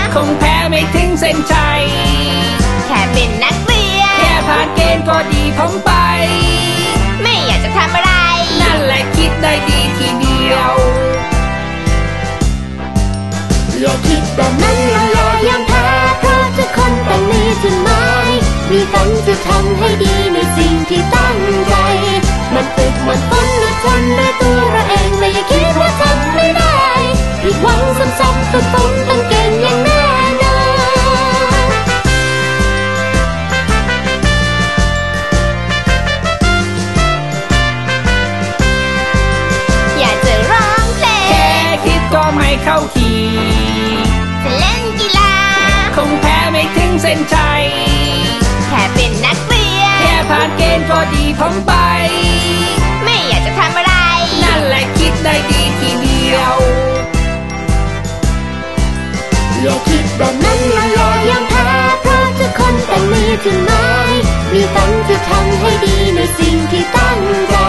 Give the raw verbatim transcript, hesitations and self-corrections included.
คงแพ้ไม่ถึงเส้นชัยแค่เป็นนักเรียนแค่ผ่านเกณฑ์ก็ดีผมไปไม่อยากจะทำอะไรนั่นแหละคิดได้ดีทีเดียวอย่าคิดแบบนั้นแล้วอย่ายังแพ้เพราะทุกคนต้องมีจุดหมายมีฝันจะทำให้ดีในสิ่งที่ตั้งใจมันฝึกมันฝนอดทนด้วยตัวเราเองและอย่าคิดว่าทำไม่ได้ผิดหวังซ้ำๆฝึกฝนต้องเก่งอย่างแน่นอนอยากจะร้องเพลงแค่คิดก็ไม่เข้าทีจะเล่นกีฬาคงแพ้ไม่ถึงเส้นชัยแค่เป็นนักเรียนแค่ผ่านเกณฑ์ก็ดีผมไปไม่อยากจะทำอะไรนั่นแหละคิดได้ดีทีเดียวอย่าคิดแบบนั้นแล้วอย่ายังแพ้เพราะทุกคนต้องมีจุดหมายมีฝันจะทำให้ดีในสิ่งที่ตั้งใจ